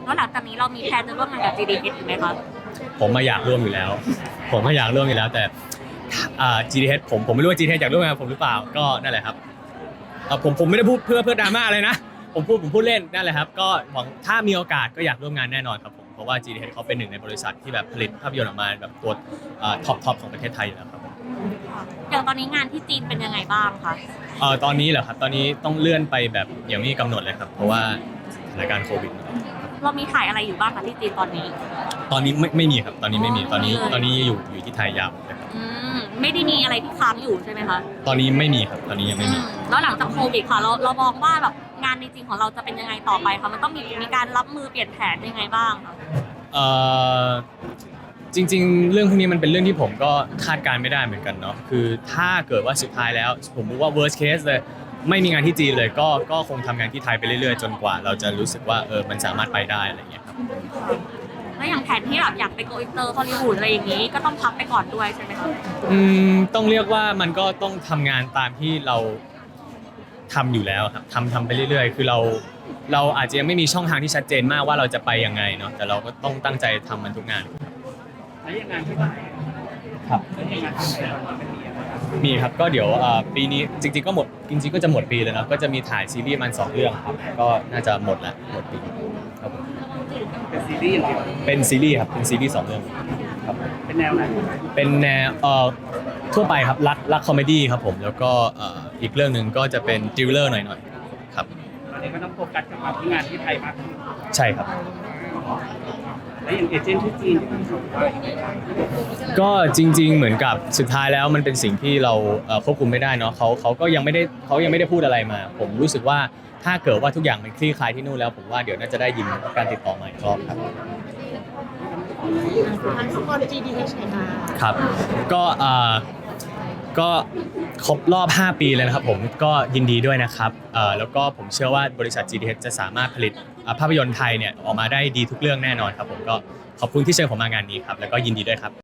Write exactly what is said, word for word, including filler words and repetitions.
แล้วหลังจากนี้เรามีแพลนจะร่วมงานกับ จี ดี เอช อีกไหมคะผมมาอยากร่วมอยู่แล้วผมก็อยากร่วมอยู่แล้วแต่อ่า จี ดี เอช ผมผมไม่รู้ว่า จี ดี เอช อยากร่วมงานกับผมหรือเปล่าก็นั่นแหละครับเอ่อผมผมไม่ได้พูดเพื่อเพื่อดราม่าอะไรนะผมพูดผมพูดเล่นนั่นแหละครับก็หวังถ้ามีโอกาสก็อยากร่วมงานแน่นอนครับผมเพราะว่า จี ดี เอช เขาเป็นหนึ่งในบริษัทที่แบบผลิตภาพยนตร์ออกมาแบบตัวท็อปท็อปของประเทศไทยอยู่แล้วครับผมอย่างตอนนี้งานที่จีนเป็นยังไงบ้างคะเอ่อตอนนี้เหรอครับตอนนี้ต้องเลื่อนไปแบบยังไม่มีกำหนดเลยครับเพราะว่าสถานการณ์โควิดเรามีถ่ายอะไรอยู่บ้างคะที่จีนตอนนี้ตอนนี้ไม่ไม่มีครับตอนนี้ไม่มีตอนนี้ตอนนี้อยู่อยู่ที่ไทยยาวเลยครับอืมไม่ได้มีอะไรที่ค้างอยู่ใช่ไหมคะตอนนี้ไม่มีครับตอนนี้ยังไม่มีแล้วหลังจากโควิดค่ะเราเรามองว่าแบบงานในจริงของเราจะเป็นยังไงต่อไปคะมันต้องมีมีการรับมือเปลี่ยนแผนยังไงบ้างคะเอ่อจริงๆเรื่องพวกนี้มันเป็นเรื่องที่ผมก็คาดการณ์ไม่ได้เหมือนกันเนาะคือถ้าเกิดว่าสุดท้ายแล้วผมรู้ว่า worst case เลยไม่มีงานที่จีนเลยก็ก็คงทำงานที่ไทยไปเรื่อยๆจนกว่าเราจะรู้สึกว่าเออมันสามารถไปได้อะไรอย่างเงี้ยครับแล้วอย่างแผนที่แบบอยากไปโกอินเตอร์ฮอลลีวูดอะไรอย่างนี้ก็ต้องพักไปก่อนด้วยใช่ไหมคะอืมต้องเรียกว่ามันก็ต้องทำงานตามที่เราทำอยู่แล้วครับทำทำไปเรื่อยๆคือเราเราอาจจะยังไม่มีช่องทางที่ชัดเจนมากว่าเราจะไปยังไงเนาะแต่เราก็ต้องตั้งใจทำมันทุกงานแล้วยังงานที่ไหนครับแล้วยังงานที่ไหนมันเป็นยังไงมีครับก็เดี๋ยวปีนี้จริงๆก็หมดจริงๆก็จะหมดปีแล้วนะก็จะมีถ่ายซีรีส์มันสองเรื่องครับก็น่าจะหมดละหมดปีครับผมเป็นซีรีส์เหรอเป็นซีรีส์ครับเป็นซีรีส์สองเรื่องครับเป็นแนวไหนเป็นแนวเอ่อทั่วไปครับรักรักคอมเมดี้ครับผมแล้วก็เอ่ออีกเรื่องหนึ่งก็จะเป็นทริลเลอร์หน่อยๆครับตอนนี้ก็ต้องโฟกัสกับที่งานที่ไทยมากขึ้นใช่ครับแล้วอย่างเอเจนต์ที่จีนที่คุณส่งไปก็จริงๆเหมือนกับสุดท้ายแล้วมันเป็นสิ่งที่เราควบคุมไม่ได้เนาะเขาเขาก็ยังไม่ได้เขายังไม่ได้พูดอะไรมาผมรู้สึกว่าถ้าเกิดว่าทุกอย่างมันคลี่คลายที่นู่นแล้วผมว่าเดี๋ยวน่าจะได้ยินการติดต่อมาอีกรอบครับทางสปอน จี ดี เอช ค่ะครับก็เอ่อก็ครบรอบห้าปีเลยนะครับผมก็ยินดีด้วยนะครับเอ่อแล้วก็ผมเชื่อว่าบริษัท จี ดี เอช จะสามารถผลิตภาพยนตร์ไทยเนี่ยออกมาได้ดีทุกเรื่องแน่นอนครับผมก็ขอบคุณที่เชิญผมมางานนี้ครับแล้วก็ยินดีด้วยครับ